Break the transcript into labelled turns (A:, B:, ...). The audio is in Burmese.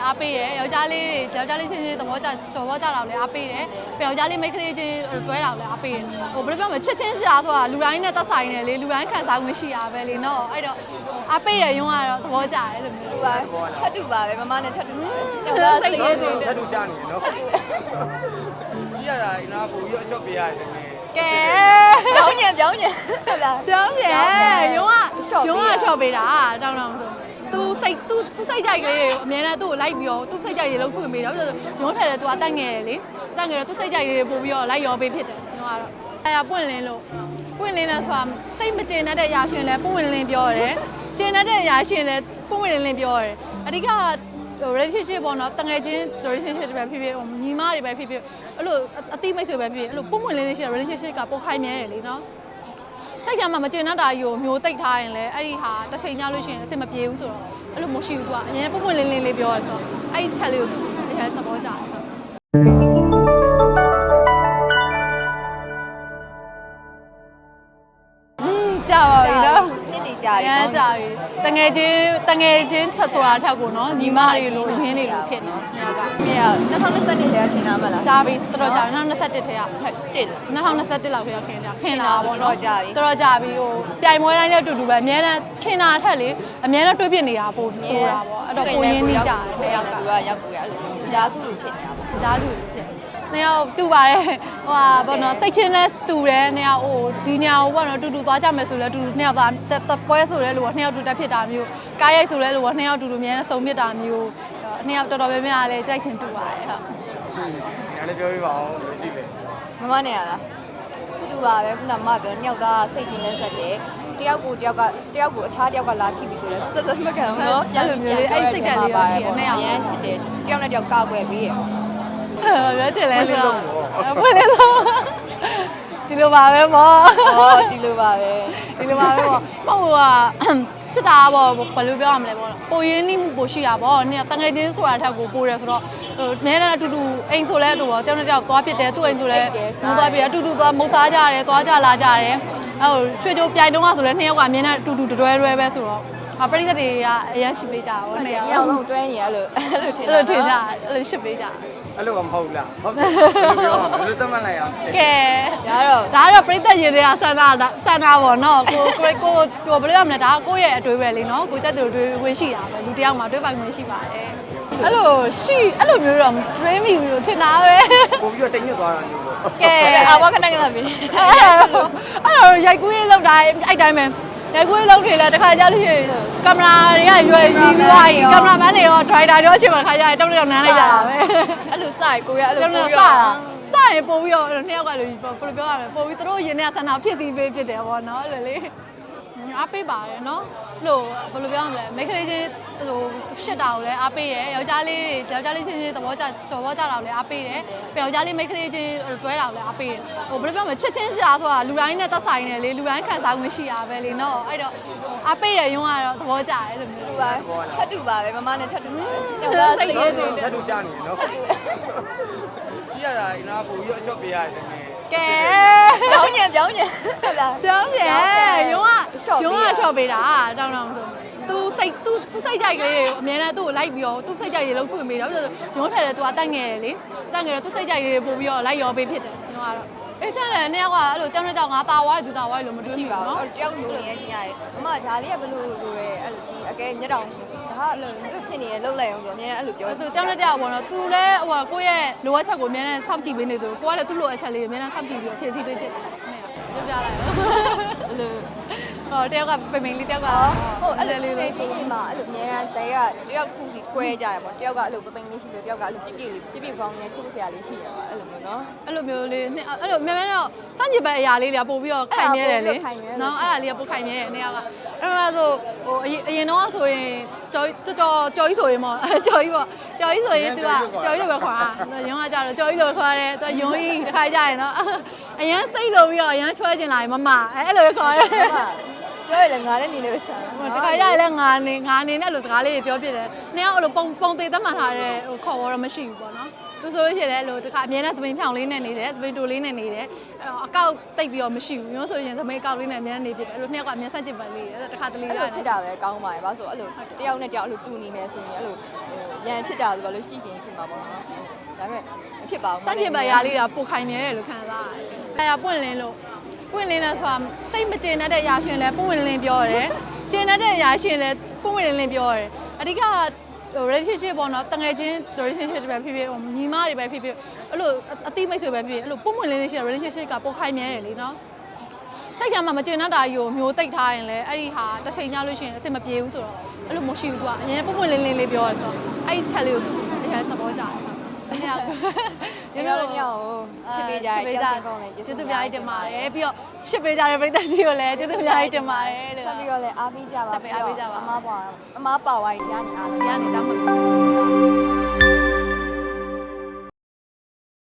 A: အားပေးတယ်ယောက်ျားလေးချင်းချင်းသဘောကျတာလည်းအားပေးတယ်ယောက်ျားလေးမိန်းကလေးချင်းတွဲတာလည်းအားပေးတယ်ဟိုဘယ်လိုပြောမလဲချစ်ချင်းစရာဆိုတာလူတိုင်းနဲ့သက်ဆိုင်တယ်လေလူတိုင်းခံစားမှုရှိရပဲလေနော်အဲ့တော့အားပေးတယ်ရုံးကတော့သဘောကျတယ်လို့မျိုး
B: ပါထပ်တူပါပဲမမနဲ့ထပ်တူပါ
C: စိတ်ရည်ထပ်တူကြနေနော်ကြည့်ရတာအနာပို့ပြီးအရှော့ပေးရတယ်
A: ကဲ
B: ပြောင်းညံဟုတ်လား
A: ပြောင်းညံရုံးကရှော့ပေးတာတောင်းဆိုသူစိတ်ကြိုက်ကလေးအများနဲ့သူ့ကိုလိုက်ပြီးတော့သူ့စိတ်ကြိုက်တွေလုံးဖွင့်ပေးတော့ရုံးထက်တယ်သူကတက်ငယ်တယ်လေတက်ငယ်တော့သူ့စိတ်ကြိုက်တွေပို့ပြီးတော့လိုက်ရောပေးဖြစ်တယ်ရုံးကတော့အဲ့ပွင့်လင်းလို့ပွင့်လင်းတယ်ဆိုတာစိတ်မကျင်တတ်တဲ့အရာရှင်လဲပွင့်လင်းပြောတယ်ကျင်တတ်တဲ့အရာရှင်လဲပွင့်လင်းပြောတယ်အဓိကrelationship ပေါ့နော်တငယ်ချင်း relationship တွေပဲဖြစ်ဖြစ်ညီမတွေပဲဖြစ်ဖြစ်အဲ့လိုအတိမိတ်ဆွေပဲဖြစ်ဖြစ်အဲ့လိုပွင့်လင်းလေးရှိတဲ့ relationship ကပိုခိုင်မြဲတယ်လေနော်စိတ်ကမှမကျင်တတ်တာကြီးကိုမျိုးတိတ်ထားရင်လည်းအဲ့ဒီဟာတစ်ချိန်ညလို့ရှိရင်အဆင်မပြေဘူးဆိုတော့အဲ့လိုမရှိဘူးသူကအရင်ပွင့်လင်းလေးပြောရဲဆိုတော့အဲ့ဒီချက်လေးကိုသူအရင်သဘောကျတယ်ကြာပါပြီနော်
B: နှစ်နေကြာပြီ
A: နော်ကြာပြီတငယ်ချင်းချက်ဆိုတာထက်ကိုနော်ညီမတွေလိုအရင်တွေလိုဖြစ်နေညက
B: မြင်ရ2020ထဲကခင်တာမလား
A: ကြာပြီတော်တော်ကြာပြီ2021ထဲက
B: 2021
A: လောက်ထဲကခင်တာပေါ့နော်တော်တော်ကြာပြီဟိုပြိုင်ပွဲတိုင်းလည်းအတူတူပဲအများနဲ့ခင်တာထက်လေအများနဲ့တွေးပြနေတာပို့ဆိုတာပေါ့အဲ့တော့ပိုရင်းနေကြတယ်
B: တဲ့ယောက်ကရောက်ကိုရအဲ့လိုကြားစုလိုဖြစ်နေတာ
A: ပေါ့ကြားစုလိုဖြစ်နှစ်ယောက်တူပါတယ်ဟိုဟာပေါ့နော်စိတ်ချင်းနဲ့တူတယ်နှစ်ယောက်ဟိုဒီညောင်ပေါ့နော်တူသွားကြမယ်ဆိုလဲတူနှစ်ယောက်သားပွဲဆိုလဲလို့နှစ်ယောက်တူတက်ဖြစ်တာမျိုးကားရိုက်ဆိုလဲလို့နှစ်ယောက်တူအများနဲ့စုံဖြစ်တာမျိုးနှစ်ယောက်တော်တော်များများလည်းကြိုက်ချင်တူပါတယ်ဟုတ်
C: ညာလည်းပြောပြပါအောင်လို့ရှိတယ်
B: မမနဲ့ရလားတူပါပဲခုနမပြောနှစ်ယောက်သားစိတ်ချင်းနဲ့ဆက်တယ်တယောက်ကိုအခြားတယောက်ကလာထိပြီဆိုလဲဆက်မခံဘူးနော်
A: ပြန်လို့မျိုးလေးအဲ့စိတ်ကလေးရရှိတယ်နှစ်ယောက်
B: ရမ်းချစ်တယ်တယောက်နဲ့တယောက်ကောက်ွယ်ပေးရ
A: ပြောချင်လဲဆိုတော့ဖွင့်လို့ဒီလိုပါပဲမော
B: ဒီလိုပါပဲ
A: ပေါ့မဟုတ်ကစစ်တာပေါ့ဘယ်လိုပြောရမလဲပေါ့ပိုရင်းနှီးမှုပိုရှိတာပေါ့နင်တငယ်ချင်းဆိုတာထက်ကိုပိုတယ်ဆိုတော့ဟိုမဲတဲ့အတူတူအိမ်ဆိုလဲအတူပေါ့တယောက်နဲ့တယောက်သွားဖြစ်တယ်သူ့အိမ်ဆိုလဲမိုးသွားဖြစ်တယ်အတူတူသွားမုတ်စားကြတယ်သွားကြလာကြတယ်အဲ့ဟိုချွေချိုပြိုင်တုံးကဆိုလဲနှစ်ယောက်ကအမြင်နဲ့အတူတူတွဲပဲဆိုတော့ပရိသတ်တွေကအရင်ရှစ်ပေးကြပါဘောနှစ်ယောက်
B: လုံးတွဲရင်အဲ့လို
A: ထင်ကြအဲ့လိုရှစ်ပေးကြ
C: အဲ့လိုမဟုတ်လားဟုတ်တယ်ပြောရမယ်ဘယ်လိုသတ်မှတ်လိုက်အောင်
A: ကဲဒါတော့ပရိသတ်ရင်တွေကဆန္ဒပေါ့နော်ကိုဘယ်လိုရမလဲဒါကကိုယ့်ရဲ့အတွေးပဲလေနော်ကိုကြက်တူတွေးဝင်ရှိတာပဲလူတယောက်မှာတွေးပိုင်ဝင်ရှိပါတယ်အဲ့လိုမျိုးတော့တွေးမိဘူးလို့ထင်တာပဲ
C: ပို့ပြီးတော့တိတ်ညွတ်သွားတာမျိုးပေါ့
A: ကဲ
B: အာဘခဏပြီ
A: အဲ့တော့ရိုက်ကူးရေးလောက်တာအဲ့တိုင်းပဲရိုက်ကွေးလုံးတွေလည်းတစ်ခါကြာလို့ရှိရင်ကင်မရာတွေကရွယ်ကြီးပြီးသွားရင်ကင်မရာမန်တွေရောဒရိုက်တာတွေရောအချိန်မှာတစ်ခါကြာရင်တောက်နမ်းလိုက်ကြတာပဲ
B: အဲ့လိုစရင်ကိုရအဲ့လိုပို့
A: ပြီးစရင်ပို့ပြီးတော့နှစ်ယောက်ကလို့ဘယ်လိုပြောရမလဲပို့ပြီးသူတို့ရင်ထဲကဆန္ဒဖြစ်ပြီးပေးဖြစ်တယ်ပေါ့နော်အဲ့လိုလေအားပေးပါတယ်နော်လို့ဘယ်လိုပြောရမလဲမိန်းကလေးချင်းဟိုရှစ်တာကိုလည်းအားပေးတယ်ယောက်ျားလေးချင်းချင်းသဘောကျတာကိုလည်းအားပေးတယ်ယောက်ျားလေးမိန်းကလေးချင်းတွဲတာကိုလည်းအားပေးတယ်ဟိုဘယ်လိုပြောမလဲချစ်ချင်းစရာဆိုတာလူတိုင်းနဲ့သက်ဆိုင်တယ်လေလူတိုင်းခံစားမှုရှိရပဲလေနော်အဲ့တော့အားပေးတယ်ရုံးကတော့သဘောကျတယ်လို့မျိုး
B: ပါထပ်တူပါပဲမမနဲ့ထပ်တူပါ
C: စိတ်ရည်ထပ်တူကြနေနော်ကြည့်ရတာအနာပို့ပြီးအရှော့ပေးရတယ်
A: ကဲ
B: ပြောင်းညံဟုတ်လား
A: ပြောင်းညံရုံးကရှော့ပေးတာတောင်းဆိုသူစိတ်ကြိုက်ကလေးအများနဲ့သူ့ကိုလိုက်ပြီးတော့သူ့စိတ်ကြိုက်တွေလုံးဖွင့်ပေးတော့ရုံးထက်တယ်သူကတက်ငယ်တယ်လေတက်ငယ်တော့သူ့စိတ်ကြိုက်တွေပို့ပြီးတော့လိုက်ရောပေးဖြစ်တယ်ရုံးကတော့အေးချမ်းတယ်နှစ်ယောက်ကအဲ့လိုတောင်းတဲ့တောင်းငါတာဝါးသူတာဝါးလို့မတွေးဘူးနော်
B: တယောက်လိုနေရချင်းရတယ်မမဒါလေးကဘယ်လိုလိုရဲအဲ့လိုဒီအကဲမျက်တောင်ဒါအဲ့လိုသူဖြစ်နေရလှုပ်လိုက်အောင်ဆိုအများအဲ့လိုပြော
A: သူတောင်းတဲ့တောင်းပေါ့နော်သူလည်းဟိုကိုယ့်ရဲ့လိုအပ်ချက်ကိုအများနဲ့စောင့်ကြည့်ပေးနေသူကိုကလည်းသူ့လိုအပ်ချက်လေးကိုအများနဲ့စောင့်ကြည့်ပြီးတော့ဖြည့်ဆည်းပေးဖြစ်တယ်ပြောပြလိုက်
B: အဲ့လို
A: တယောက်ကပိန်လေးတယောက်က
B: ဟုတ်အဲ့လိုလေးလေးမှာအဲ့လိုအများဆယ်ကတယောက်ခုစီကွဲကြရပေါ့တယောက်ကအဲ့လိုပိန်လေးရှိလို့တယောက်ကအဲ့လိုပြပြပေါင်းနေချစ်စရာလေးရှိရပါအဲ့လိုမျိုးနော်
A: အဲ့လိုမျိုးလေးအဲ့လိုမြန်မြန်တော့စန့်ကျင်ဘက်အရာလေးတွေကပို့ပြီးတော့ခိုင်နေတယ်လေနော်အဲ့ဒါလေးကပို့ခိုင်နေတယ်နေရာကအဲ့ဒါဆိုဟိုအရင်တော့ဆိုရင်ကြော်ကြီးဆိုရင်ပေါ့ကြော်ကြီးဆိုရင်သူကကြော်ကြီးလိုပဲခေါ်တာရုံးကကြတော့ကြော်ကြီးလိုခေါ်တယ်သူရုံးကြီးတစ်ခါကြရင်နော်အရန်စိတ်လိုပြီးတော့အရန်ချွဲကျင်လာရင်မမအဲ့လိုခေါ်တယ်
B: ပြောရလေငါနဲ့နေနေပဲချာ
A: တခါရရလဲငါနေနဲ့လို့စကားလေးတွေပြောပြတယ်နှစ်ယောက်အဲ့လိုပုံသေးသတ်မှတ်ထားတဲ့ဟိုခေါ်ဝေါ်တော့မရှိဘူးပေါ့နော်သူဆိုလို့ရှိရင်လည်းလို့တခါအမြဲတမ်းသပင်ဖြောင်လေးနဲ့နေတယ်သပင်တိုလေးနဲ့နေတယ်အကောက်တိတ်ပြီးတော့မရှိဘူးမျိုးဆိုရင်သပင်အကောက်လေးနဲ့အမြဲတမ်းနေဖြစ်တယ်အဲ့လိုနှစ်ယောက်ကအမြဲဆန့်ကျင်ပတ်လေးတခါတလေ
B: အဲ့
A: ရ
B: လို
A: တယ်
B: ဖြစ်တာပဲကောင်းပါရဲ့ဘာလို့ဆိုအဲ့လိုတယောက်နဲ့တယောက်အဲ့လိုတူနေနေဆိုရင်အဲ့လိုရန်ဖြစ်တာဆိုတော့လို့ရှိချင်းရှိမှာပေါ့နော်ဒါပေမဲ့မဖြစ်ပါဘူး
A: ဆန့်ကျင်ပတ်ရာလေးတာပိုခိုင်မြဲတယ်လို့ခံစားရတယ်ဆရာပွင့်လင်းလို့ပွင့်လင်းတယ်ဆိုတာစိတ်မကျေနပ်တဲ့အရာရှင်လဲပွင့်လင်းပြောရတယ်ကျေနပ်တဲ့အရာရှင်လဲပွင့်လင်းပြောရတယ်အဓိကrelationship ပေါ့နော်တငယ်ချင်း relationship တွေပဲဖြစ်ဖြစ်ညီမတွေပဲဖြစ်ဖြစ်အဲ့လိုအတိမိတ်ဆွေပဲဖြစ်ဖြစ်အဲ့လိုပွင့်လင်းရှိတဲ့ relationship ကပိုခိုင်မြဲတယ်လေနော်စိတ်ကမှမကျေနပ်တာကြီးကိုမျိုးတိတ်ထားရင်လည်းအဲ့ဒီဟာတစ်ချိန်ညလို့ရှိရင်အဆင်မပြေဘူးဆိုတော့အဲ့လိုမရှိဘူးသူကအရင်ပွင့်လင်းလေးပြောရတယ်ဆိုတော့အဲ့ဒီချက်လေးကိုသူအရင်သဘောကျတယ်။ညောင်
B: ဒီလိုညောင်ချစ်ပေးကြတယ်ကြောက်ကောင်းတယ်
A: ကျေးဇူးအများကြီးတင်ပါတယ်ပြီးတော့ရှစ်ပေးကြတဲ့ပရိသတ်ကြီးကိုလည်းကျေးဇူးအများကြီးတင်ပါတယ်တဲ့
B: ဆက်ပြီးတော့လည်းအားပေးကြပါ
A: ဆက်ပြီးအားပေးကြပါ
B: အမားပါဝိုင်းတရားနေအား
A: ဒီကနေတောင်းပါ